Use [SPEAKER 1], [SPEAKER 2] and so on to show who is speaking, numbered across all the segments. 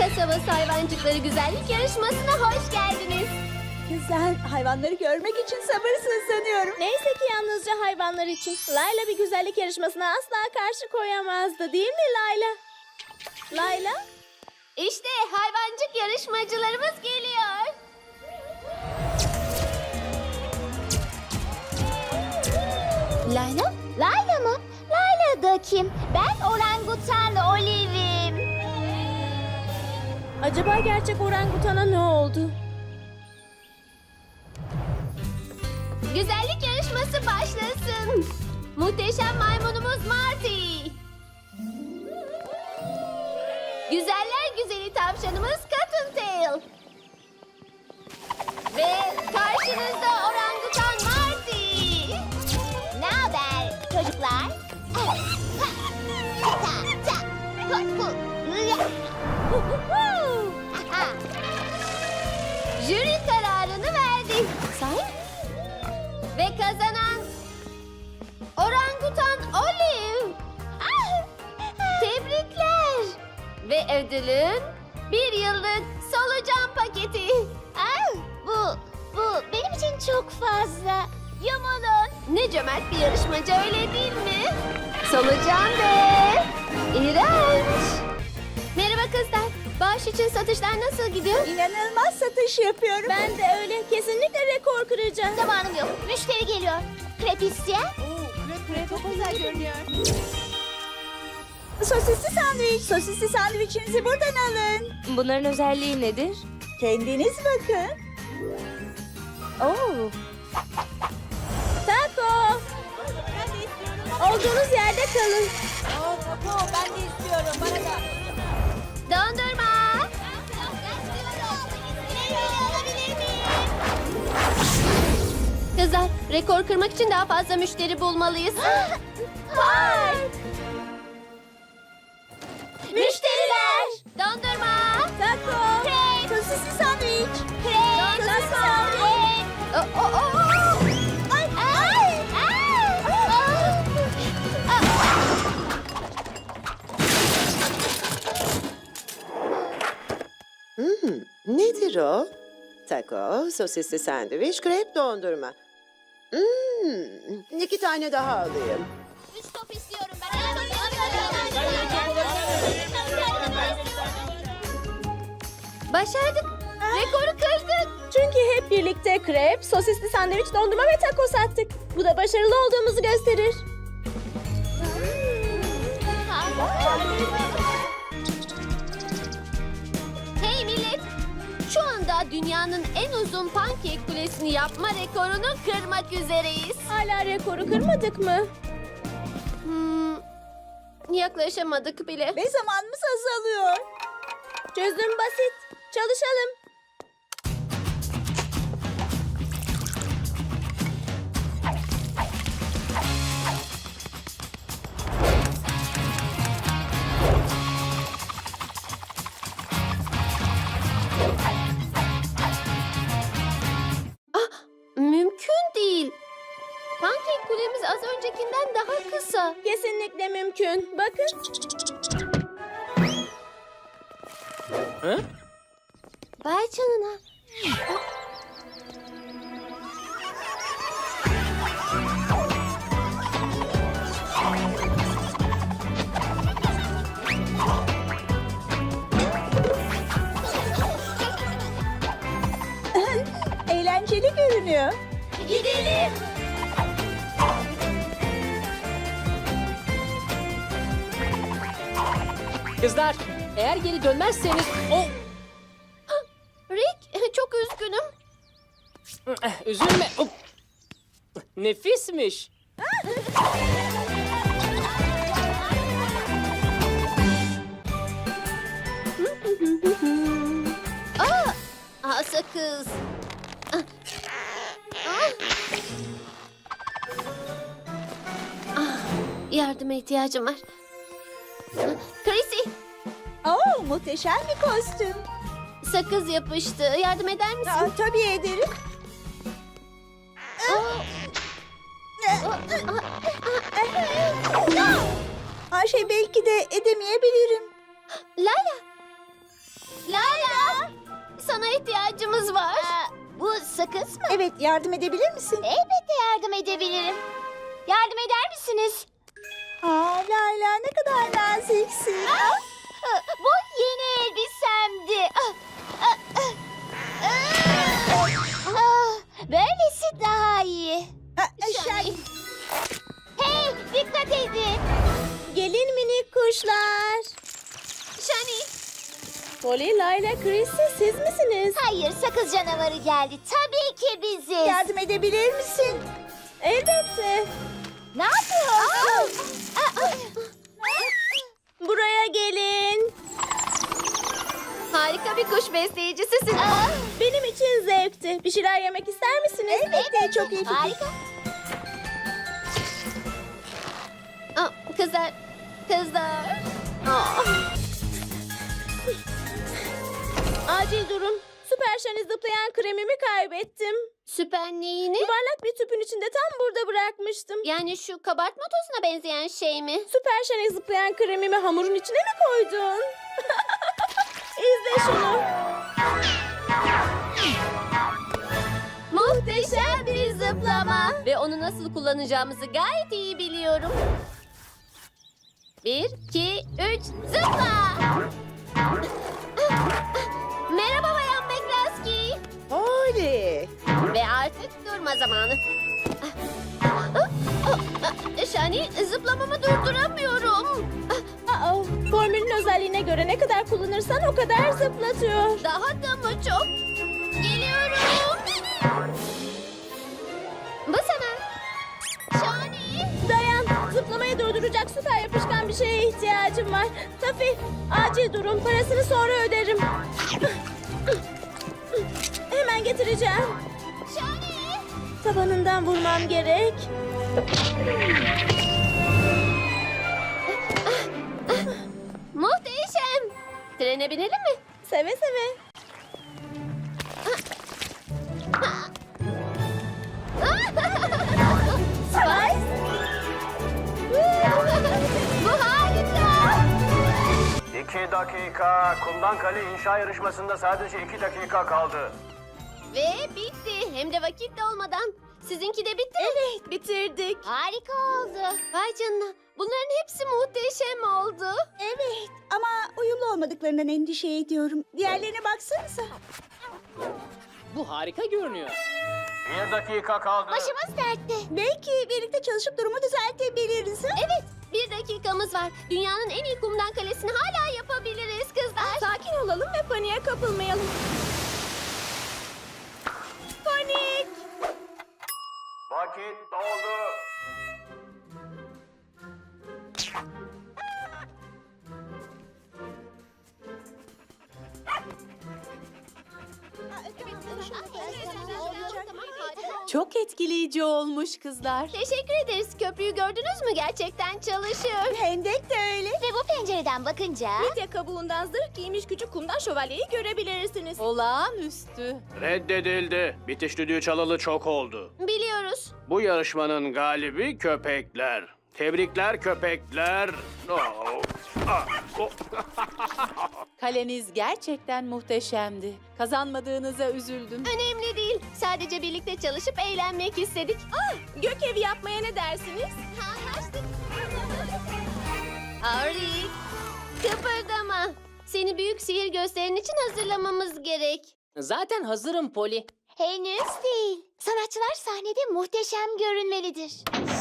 [SPEAKER 1] kasabası hayvancıkları güzellik yarışmasına hoş geldiniz.
[SPEAKER 2] Kızlar, hayvanları görmek için sabırsızlanıyorum.
[SPEAKER 3] Neyse ki yalnızca hayvanlar için. Layla bir güzellik yarışmasına asla karşı koyamazdı, değil mi Layla? Layla?
[SPEAKER 1] İşte hayvancık yarışmacılarımız geliyor.
[SPEAKER 4] Layla? Layla mı? Layla da kim? Ben orangutan Olive'im.
[SPEAKER 3] Acaba gerçek orangutana ne oldu?
[SPEAKER 1] Güzellik yarışması başlasın. Muhteşem maymunumuz Marty. Güzeller güzeli tavşanımız Cottontail. Ve karşınızda orangutan Marty.
[SPEAKER 4] Ne haber çocuklar?
[SPEAKER 1] Jüri kararını verdi.
[SPEAKER 4] Sahi?
[SPEAKER 1] Ve kazanan orangutan Olive. Tebrikler. Ve ödülün bir yıllık solucan paketi.
[SPEAKER 4] Bu benim için çok fazla. Yumulun.
[SPEAKER 1] Ne cömert bir yarışmacı, öyle değil mi? Solucan ve iğrenç. Merhaba kızlar. Bağış için satışlar nasıl gidiyor?
[SPEAKER 2] İnanılmaz satış yapıyorum.
[SPEAKER 3] Ben de öyle. Kesinlikle rekor kıracağım.
[SPEAKER 4] Zamanım yok. Müşteri geliyor. Krep isteyen?
[SPEAKER 2] Sosisli sandviçinizi buradan alın.
[SPEAKER 3] Bunların özelliği nedir?
[SPEAKER 2] Kendiniz bakın.
[SPEAKER 3] Oo. Taco! Olduğunuz yerde kalın.
[SPEAKER 1] Dondurma. Kızlar, rekor kırmak için daha fazla müşteri bulmalıyız. Müşteriler! Dondurma!
[SPEAKER 3] Taco!
[SPEAKER 1] Krep!
[SPEAKER 2] Sosisli sandviç.
[SPEAKER 1] Krep!
[SPEAKER 3] Sosisli sandviç!
[SPEAKER 1] Ay! Ay!
[SPEAKER 5] Nedir o? Taco, sosisli sandviç, krep dondurma. 2 tane daha alayım.
[SPEAKER 4] 3 top istiyorum ben.
[SPEAKER 1] Başardık. Rekoru kırdık.
[SPEAKER 3] Çünkü hep birlikte krep, sosisli sandviç, dondurma ve taco sattık. Bu da başarılı olduğumuzu gösterir.
[SPEAKER 1] Hey millet! Şu anda dünyanın en uzun pankek kulesini yapma rekorunu kırmak üzereyiz.
[SPEAKER 3] Hala rekoru kırmadık mı?
[SPEAKER 1] Yaklaşamadık bile.
[SPEAKER 2] Ve zamanımız azalıyor.
[SPEAKER 3] Çözüm basit. Çalışalım.
[SPEAKER 1] Mümkün değil. Pankek kulemiz az öncekinden daha kısa.
[SPEAKER 3] Kesinlikle mümkün. Bakın.
[SPEAKER 1] Vay canına.
[SPEAKER 2] Eğlenceli görünüyor.
[SPEAKER 1] Gidelim.
[SPEAKER 6] Kızlar, eğer geri dönmezseniz...
[SPEAKER 1] Rick, çok üzgünüm.
[SPEAKER 6] Üzülme. Nefismiş.
[SPEAKER 1] Sakız. Yardıma ihtiyacım var. Chrissy,
[SPEAKER 2] Muhteşem bir kostüm.
[SPEAKER 1] sakız yapıştı. Yardım eder misin?
[SPEAKER 2] Tabii ederim. Belki de edemeyebilirim.
[SPEAKER 1] Layla, Sana ihtiyacımız var.
[SPEAKER 4] Bu sakız mı?
[SPEAKER 2] Evet, yardım edebilir misin?
[SPEAKER 4] Elbette yardım edebilirim. Yardım eder misiniz?
[SPEAKER 2] Aa, Layla ne kadar naziksin.
[SPEAKER 4] Bu yeni elbisemdi. Böylesi daha iyi.
[SPEAKER 2] Şani.
[SPEAKER 4] Hey, dikkat edin.
[SPEAKER 3] Gelin minik kuşlar.
[SPEAKER 1] Shani.
[SPEAKER 3] Polly, Layla, Chrissy siz misiniz?
[SPEAKER 4] Hayır, sakız canavarı geldi. Tabii ki biziz.
[SPEAKER 2] Yardım edebilir misin?
[SPEAKER 3] Elbette.
[SPEAKER 4] Ne yapıyorsun?
[SPEAKER 3] Buraya gelin.
[SPEAKER 1] Harika bir kuş besleyicisisin.
[SPEAKER 3] Benim için zevkti. Bir şeyler yemek ister misiniz?
[SPEAKER 2] Elbette, çok iyi fikir.
[SPEAKER 4] Harika.
[SPEAKER 1] Kızlar. Kızlar.
[SPEAKER 3] Acil durum. Süper Shani zıplayan kremimi kaybettim.
[SPEAKER 1] Süper neyini?
[SPEAKER 3] Yuvarlak bir tüpün içinde tam burada bırakmıştım.
[SPEAKER 1] Yani şu kabartma tozuna benzeyen şey mi?
[SPEAKER 3] Süper Shani zıplayan kremimi hamurun içine mi koydun? İzle şunu.
[SPEAKER 1] Muhteşem bir zıplama. Ve onu nasıl kullanacağımızı gayet iyi biliyorum. 1, 2, 3, zıpla! Merhaba Bayan McCluskey.
[SPEAKER 5] Oley!
[SPEAKER 1] Ve artık durma zamanı. Shani, zıplamamı durduramıyorum.
[SPEAKER 3] Formülün özelliğine göre ne kadar kullanırsan o kadar zıplatıyor.
[SPEAKER 1] Daha da mı çok? Geliyorum. Bu sana. Shani.
[SPEAKER 3] Dayan, zıplamayı durduracak süper yapışkan bir şeye ihtiyacım var. Tafi, acil durum. Parasını sonra öderim. Hemen getireceğim.
[SPEAKER 1] Shani.
[SPEAKER 3] Tabanından vurmam gerek.
[SPEAKER 1] Muhteşem. Trene binelim mi?
[SPEAKER 3] Seve seve.
[SPEAKER 1] Spice. Bu harika.
[SPEAKER 7] 2 dakika. Kumdan kale inşa yarışmasında sadece 2 dakika kaldı.
[SPEAKER 1] Ve bitti. Hem de vakit de olmadan. Sizinki de bitti mi?
[SPEAKER 3] Evet, bitirdik.
[SPEAKER 4] Harika oldu.
[SPEAKER 1] Vay canına. Bunların hepsi muhteşem oldu.
[SPEAKER 2] Evet, ama uyumlu olmadıklarından endişe ediyorum. Diğerlerine baksanıza.
[SPEAKER 6] Bu harika görünüyor.
[SPEAKER 7] 1 dakika kaldı.
[SPEAKER 4] Başımız dertte.
[SPEAKER 2] Belki birlikte çalışıp durumu düzeltebiliriz. Ha?
[SPEAKER 1] Evet, 1 dakikamız var. Dünyanın en iyi kumdan kalesini hala yapabiliriz kızlar.
[SPEAKER 3] Sakin olalım ve paniğe kapılmayalım. Panik!
[SPEAKER 7] Vakit doldu.
[SPEAKER 8] Çok etkileyici olmuş kızlar.
[SPEAKER 1] Teşekkür ederiz. Köprüyü gördünüz mü? Gerçekten çalışıyor.
[SPEAKER 2] Hendek de öyle.
[SPEAKER 4] Ve bu pencereden bakınca...
[SPEAKER 3] Midye kabuğundan zırh giymiş küçük kumdan şövalyeyi görebilirsiniz.
[SPEAKER 8] Olağanüstü.
[SPEAKER 7] Reddedildi. Bitiş düdüğü çalalı çok oldu.
[SPEAKER 1] Biliyoruz.
[SPEAKER 7] Bu yarışmanın galibi köpekler. Tebrikler köpekler. Oh. Ah. Oh.
[SPEAKER 8] Kaleniz gerçekten muhteşemdi. Kazanmadığınıza üzüldüm.
[SPEAKER 1] Önemli değil. Sadece birlikte çalışıp eğlenmek istedik.
[SPEAKER 3] Gök evi yapmaya ne dersiniz?
[SPEAKER 1] Anlaştık. Arik, kıpırdama. Seni büyük sihir gösterin için hazırlamamız gerek.
[SPEAKER 6] Zaten hazırım Polly.
[SPEAKER 4] Henüz değil. Sanatçılar sahnede muhteşem görünmelidir.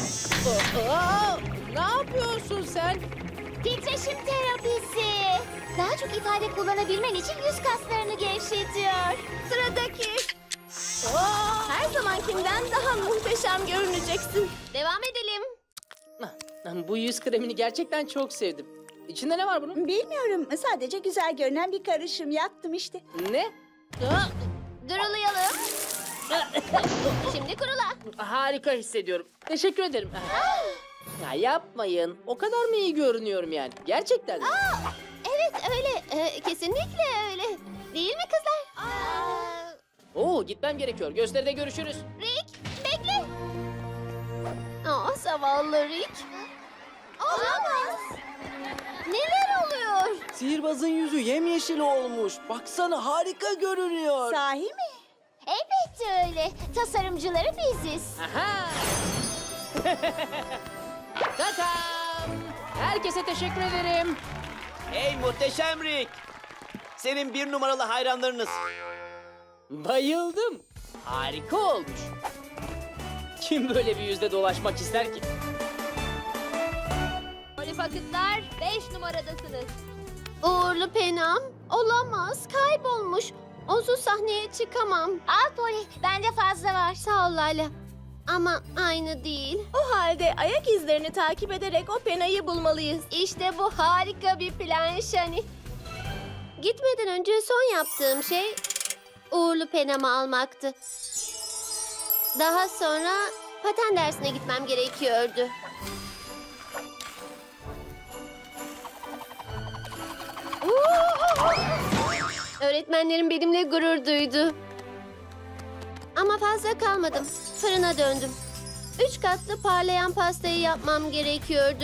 [SPEAKER 8] Ne yapıyorsun sen?
[SPEAKER 4] Titreşim terapisi. Daha çok ifade kullanabilmen için yüz kaslarını gevşetiyor.
[SPEAKER 1] Sıradaki.
[SPEAKER 3] Her zamankinden daha muhteşem görüneceksin.
[SPEAKER 1] Devam edelim.
[SPEAKER 6] Bu yüz kremini gerçekten çok sevdim. İçinde ne var bunun?
[SPEAKER 2] Bilmiyorum, sadece güzel görünen bir karışım yaptım işte.
[SPEAKER 6] Ne?
[SPEAKER 1] Durulayalım. Şimdi kurula.
[SPEAKER 6] Harika hissediyorum. Teşekkür ederim. Ya yapmayın. O kadar mı iyi görünüyorum yani? Gerçekten mi?
[SPEAKER 1] Evet öyle. Kesinlikle öyle. Değil mi kızlar?
[SPEAKER 6] Oo, gitmem gerekiyor. Gösteride görüşürüz.
[SPEAKER 1] Rick, bekle. Zavallı Rick. Olamaz. Neler oluyor?
[SPEAKER 9] Sihirbazın yüzü yemyeşil olmuş. Baksana harika görünüyor.
[SPEAKER 2] Sahi mi?
[SPEAKER 4] Elbette öyle. Tasarımcıları biziz.
[SPEAKER 6] Aha! Tatam! Herkese teşekkür ederim.
[SPEAKER 9] Hey muhteşem Rick. Senin bir numaralı hayranlarınız.
[SPEAKER 6] Bayıldım. Harika olmuş. Kim böyle bir yüzde dolaşmak ister ki?
[SPEAKER 1] Polly Pocket'lar 5 numaradasınız. Uğurlu Penam olamaz, kaybolmuş. Onsuz sahneye çıkamam.
[SPEAKER 4] Al Polly, bende fazla var.
[SPEAKER 1] Sağ ol Layla. Ama aynı değil.
[SPEAKER 3] O halde ayak izlerini takip ederek o penayı bulmalıyız.
[SPEAKER 1] İşte bu harika bir plan Shani. Gitmeden önce son yaptığım şey uğurlu penamı almaktı. Daha sonra paten dersine gitmem gerekiyordu. Öğretmenlerim benimle gurur duydu. Ama fazla kalmadım. Fırına döndüm. 3 katlı parlayan pastayı yapmam gerekiyordu.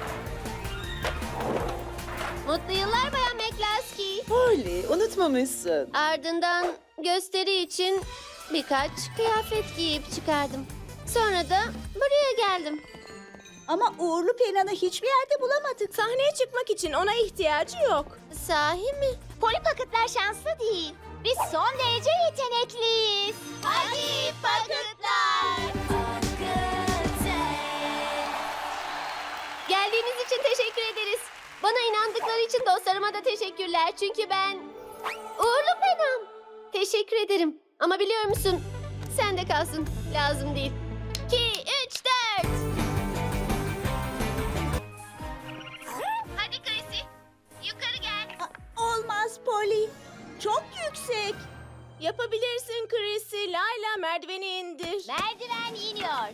[SPEAKER 1] Mutlu yıllar Bayan McCluskey.
[SPEAKER 5] Polly, unutmamışsın.
[SPEAKER 1] Ardından gösteri için birkaç kıyafet giyip çıkardım. Sonra da buraya geldim.
[SPEAKER 2] Ama uğurlu penanı hiçbir yerde bulamadık.
[SPEAKER 3] Sahneye çıkmak için ona ihtiyacı yok.
[SPEAKER 1] Sahi mi?
[SPEAKER 4] Polly Pocket'lar şanslı değil. Biz son derece yetenekliyiz. Hadi Pocket'lar.
[SPEAKER 1] Geldiğiniz için teşekkür ederiz. Bana inandıkları için dostlarıma da teşekkürler. Çünkü ben uğurlu penam. Teşekkür ederim. Ama biliyor musun? Sen de kalsın. Lazım değil. 2, 3, 4. Hadi Chrissy. Yukarı gel.
[SPEAKER 2] Olmaz Polly. Çok yüksek.
[SPEAKER 3] Yapabilirsin Chrissy. Layla merdiveni indir.
[SPEAKER 4] Merdiven iniyor.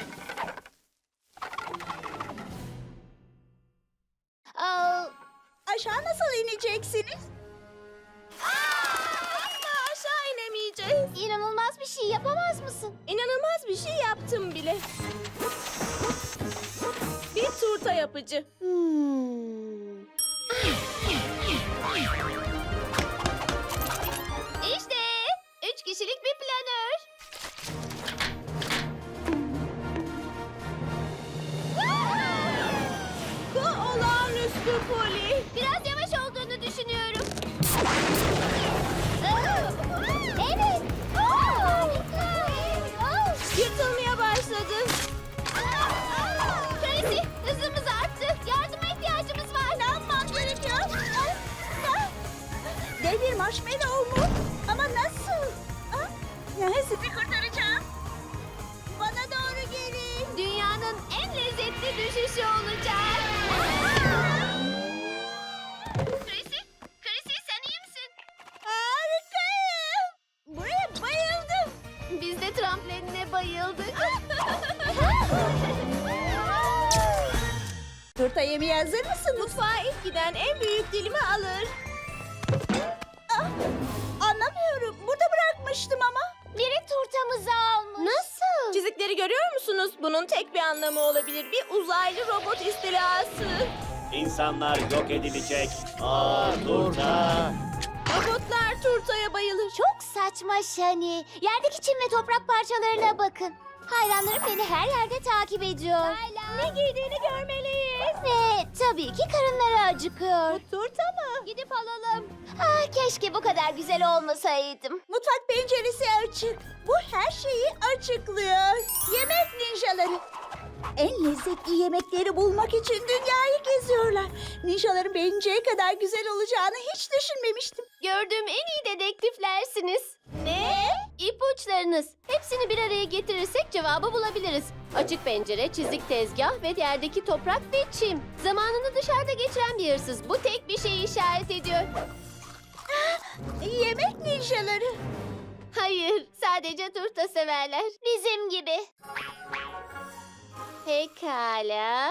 [SPEAKER 4] Aa,
[SPEAKER 2] Aşağı nasıl ineceksiniz?
[SPEAKER 3] Asla aşağı inemeyeceğiz.
[SPEAKER 4] inanılmaz bir şey yapamaz mısın?
[SPEAKER 3] İnanılmaz bir şey yaptım bile. Bir turta yapıcı.
[SPEAKER 1] İşte 3 kişilik bir planör.
[SPEAKER 3] Bu olağanüstü Polly.
[SPEAKER 1] Biraz yavaş olduğunu düşünüyorum.
[SPEAKER 4] Evet.
[SPEAKER 3] Yırtılmaya başladı.
[SPEAKER 1] Tracy, hızımız arttı. Yardıma ihtiyacımız var. Ne yapmam gerekiyor?
[SPEAKER 2] Dev bir marshmallow mu? Ama nasıl? Sizi kurtaracağım. Bana doğru gelin.
[SPEAKER 1] Dünyanın en lezzetli düşüşü olacak. Tracy sen iyi misin?
[SPEAKER 2] Harikayım. Buraya bayıldım.
[SPEAKER 1] Biz de trampolinine bayıldık.
[SPEAKER 2] Turta yemeye hazır mısınız?
[SPEAKER 3] Mutfağa ilk giden en büyük dilimi alır.
[SPEAKER 2] Anlamıyorum. Burada bırakmıştım ama.
[SPEAKER 4] Biri turtamızı almış.
[SPEAKER 1] Nasıl?
[SPEAKER 3] Çizikleri görüyor musunuz? Bunun tek bir anlamı olabilir. Bir uzaylı robot istilası.
[SPEAKER 7] İnsanlar yok edilecek. Turta.
[SPEAKER 3] Robotlar turtaya bayılır.
[SPEAKER 4] Çok saçma Shani. Yerdeki çim ve toprak parçalarına bakın. Hayranlarım beni her yerde takip ediyor. Ne giydiğini görmeliyiz. Ve tabii ki karınları acıkıyor.
[SPEAKER 3] Turta mı?
[SPEAKER 1] Gidip alalım.
[SPEAKER 4] Ah, keşke bu kadar güzel olmasaydım.
[SPEAKER 2] Mutfak penceresi açık. Bu her şeyi açıklıyor. Yemek ninjaları. En lezzetli yemekleri bulmak için dünyayı geziyorlar. Ninjaların beğeneceği kadar güzel olacağını hiç düşünmemiştim.
[SPEAKER 1] Gördüğüm en iyi dedektiflersiniz.
[SPEAKER 3] Ne?
[SPEAKER 1] İpuçlarınız. Hepsini bir araya getirirsek cevabı bulabiliriz. Açık pencere, çizik tezgah ve yerdeki toprak ve çim. Zamanını dışarıda geçiren bir hırsız. Bu tek bir şeyi işaret ediyor.
[SPEAKER 2] Yemek ninjaları.
[SPEAKER 1] Hayır, sadece turta severler.
[SPEAKER 4] Bizim gibi.
[SPEAKER 1] Pekala.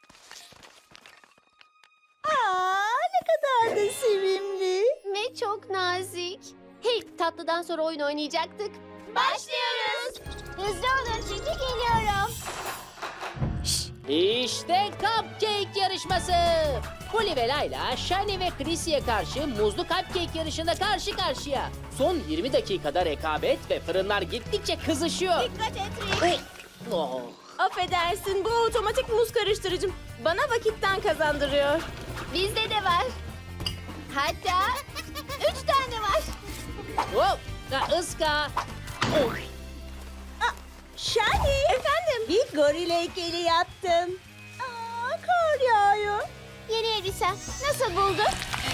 [SPEAKER 2] Ne kadar da sevimli.
[SPEAKER 1] Ve çok nazik. Hey, tatlıdan sonra oyun oynayacaktık. Başlıyoruz.
[SPEAKER 4] Hızlı olun çünkü geliyorum.
[SPEAKER 1] Şş,
[SPEAKER 6] İşte cupcake yarışması. Polly ve Layla, Shani ve Chrissy'ye karşı muzlu cupcake yarışında karşı karşıya. Son 20 dakikada rekabet ve fırınlar gittikçe kızışıyor.
[SPEAKER 3] Dikkat et Rick.
[SPEAKER 6] Oh.
[SPEAKER 3] Affedersin, bu otomatik muz karıştırıcım. Bana vakitten kazandırıyor.
[SPEAKER 1] Bizde de var. Hatta 3 tane var.
[SPEAKER 6] Oh. Ha, ıska. Oh.
[SPEAKER 2] Shani.
[SPEAKER 3] Efendim?
[SPEAKER 2] Bir goril heykeli yaptım. Kar yağıyor.
[SPEAKER 4] Yeni elbisen. Nasıl buldun?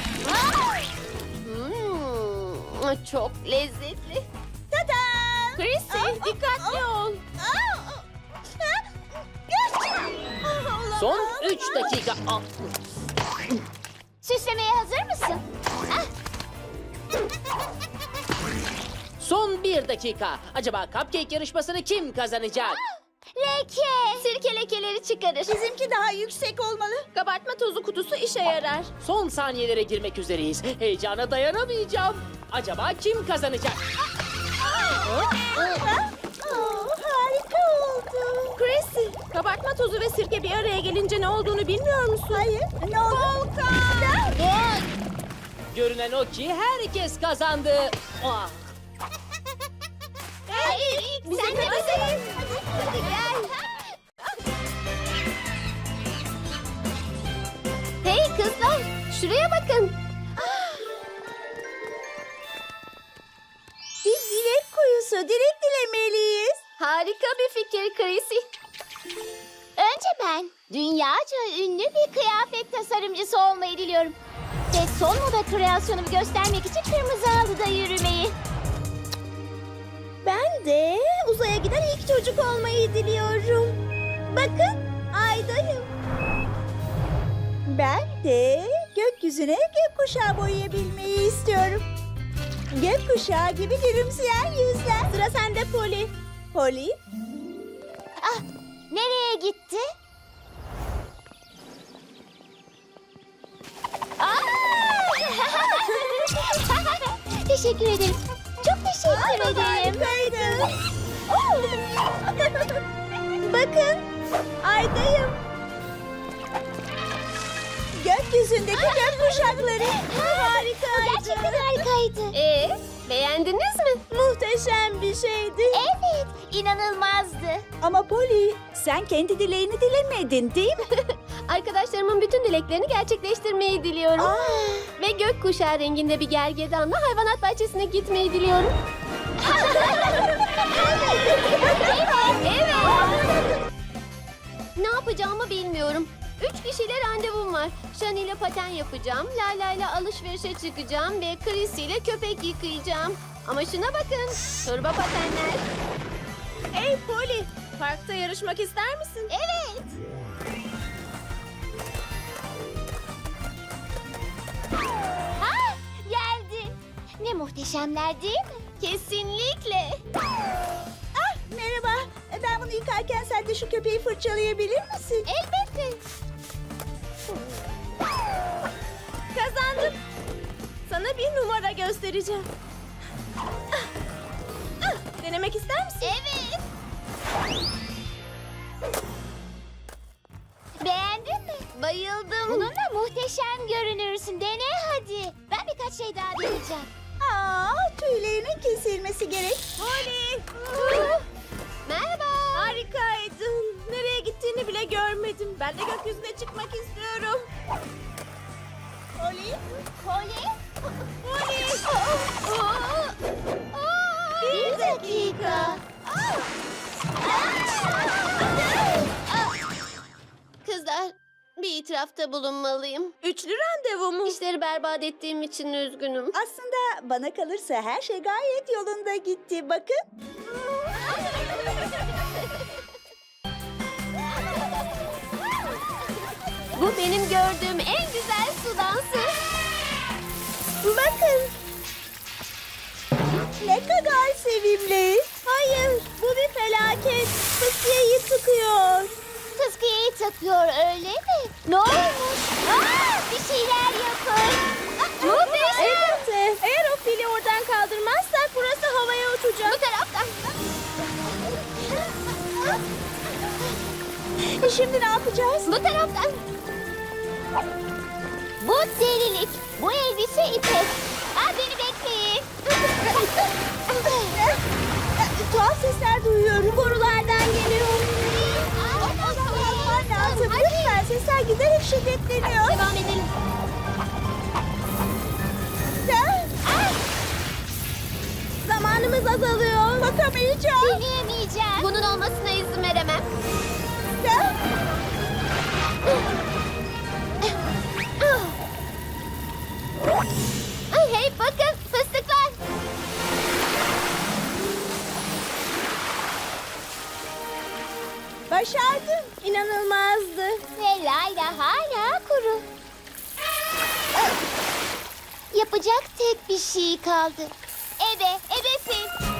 [SPEAKER 1] Çok lezzetli.
[SPEAKER 2] Tadam.
[SPEAKER 3] Chrissy, dikkatli ol.
[SPEAKER 6] Son 3 dakika. Ah.
[SPEAKER 4] Süslemeye hazır mısın? Ah,
[SPEAKER 6] Son 1 dakika. Acaba cupcake yarışmasını kim kazanacak?
[SPEAKER 4] leke.
[SPEAKER 1] Sirke lekeleri çıkarır.
[SPEAKER 2] Bizimki daha yüksek olmalı.
[SPEAKER 3] Kabartma tozu kutusu işe yarar.
[SPEAKER 6] Son saniyelere girmek üzereyiz. Heyecana dayanamayacağım. Acaba kim kazanacak?
[SPEAKER 2] Harika oldu.
[SPEAKER 3] Chrissy, kabartma tozu ve sirke bir araya gelince ne olduğunu bilmiyor musun?
[SPEAKER 2] Hayır. Ne oldu?
[SPEAKER 6] Görünen o ki herkes kazandı. Ah.
[SPEAKER 4] Sen de bize. Hadi gel.
[SPEAKER 1] Hey kızlar, şuraya bakın.
[SPEAKER 2] Bir dilek kuyusu. Dilek dilemeliyiz.
[SPEAKER 1] Harika bir fikir Chrissy.
[SPEAKER 4] Önce ben dünyaca ünlü bir kıyafet tasarımcısı olmayı diliyorum. Ve son moda kreasyonumu göstermek için kırmızı halıda yürümeyi.
[SPEAKER 3] Ben de uzaya giden ilk çocuk olmayı diliyorum. Bakın, aydayım.
[SPEAKER 2] Ben de gökyüzüne gökkuşağı boyayabilmeyi istiyorum. Gökkuşağı gibi gülümseyen yüzler.
[SPEAKER 3] Sıra sende Polly.
[SPEAKER 2] Polly,
[SPEAKER 4] Ah, nereye gitti? Teşekkür ederim. Çok teşekkür ederim.
[SPEAKER 2] harikaydı.
[SPEAKER 3] Bakın, aydayım.
[SPEAKER 2] Gökyüzündeki gökkuşakları.
[SPEAKER 4] Gerçekten harikaydı.
[SPEAKER 1] Beğendiniz mi?
[SPEAKER 3] Muhteşem bir şeydi.
[SPEAKER 4] Evet, inanılmazdı.
[SPEAKER 2] Ama Polly, sen kendi dileğini dilemedin değil mi?
[SPEAKER 1] Arkadaşlarımın bütün dileklerini gerçekleştirmeyi diliyorum. Ve gökkuşağı renginde bir gergedanla hayvanat bahçesine gitmeyi diliyorum. Evet. Ne yapacağımı bilmiyorum. 3 kişiyle randevum var. Shani ile paten yapacağım, Layla ile alışverişe çıkacağım ve Chrissy ile köpek yıkayacağım. Ama şuna bakın, turbo patenler.
[SPEAKER 3] Hey Polly, parkta yarışmak ister misin?
[SPEAKER 4] Evet. Ha, geldin. Ne muhteşemler değil mi?
[SPEAKER 1] Kesinlikle.
[SPEAKER 2] Merhaba. Ben bunu yıkarken sen de şu köpeği fırçalayabilir misin?
[SPEAKER 4] Elbette.
[SPEAKER 3] Kazandım. Sana bir numara göstereceğim. Denemek ister misin?
[SPEAKER 4] Evet. Beğendin mi?
[SPEAKER 1] Bayıldım.
[SPEAKER 4] Bununla muhteşem görünürsün. Dene hadi. Ben birkaç şey daha deneyeceğim.
[SPEAKER 2] Tüylerinin kesilmesi gerek.
[SPEAKER 3] Polly.
[SPEAKER 1] Merhaba.
[SPEAKER 3] Harikaydın. Nereye gittiğini bile görmedim. Ben de gökyüzüne çıkmak istiyorum.
[SPEAKER 2] Polly,
[SPEAKER 4] Polly.
[SPEAKER 3] Polly.
[SPEAKER 4] Bir dakika.
[SPEAKER 1] Kızlar, bir itirafta bulunmalıyım.
[SPEAKER 3] Üçlü randevu mu?
[SPEAKER 1] İşleri berbat ettiğim için üzgünüm.
[SPEAKER 2] aslında bana kalırsa her şey gayet yolunda gitti. Bakın.
[SPEAKER 1] Bu benim gördüğüm en güzel su dansı.
[SPEAKER 2] Bakın. Ne kadar sevimli.
[SPEAKER 3] Hayır, bu bir felaket. Fıskiyeyi sıkıyor.
[SPEAKER 4] Fıskiyeyi takıyor öyle mi? Ne olmuş? Bir şeyler yapın.
[SPEAKER 3] Elbette. Eğer o fili oradan kaldırmazsak burası havaya uçacak.
[SPEAKER 4] Bu taraftan.
[SPEAKER 2] Şimdi ne yapacağız?
[SPEAKER 1] Bu taraftan.
[SPEAKER 4] Bu delilik. Bu elbise ipek. Beni bekleyin.
[SPEAKER 2] Tuhaf sesler duyuyorum.
[SPEAKER 4] Borulardan geliyor.
[SPEAKER 2] Yapman lazım. Lütfen sesler giderek şiddetleniyor.
[SPEAKER 1] Devam edelim.
[SPEAKER 3] Zamanımız azalıyor.
[SPEAKER 2] Bakamayacağım.
[SPEAKER 4] Deneyemeyeceğim.
[SPEAKER 1] Bunun olmasına izin veremem. Ay, hey bakın fıstıklar.
[SPEAKER 2] Başardım.
[SPEAKER 3] İnanılmazdı.
[SPEAKER 4] Ve Layla hala kuru. Yapacak tek bir şey kaldı. Ebe, ebefil.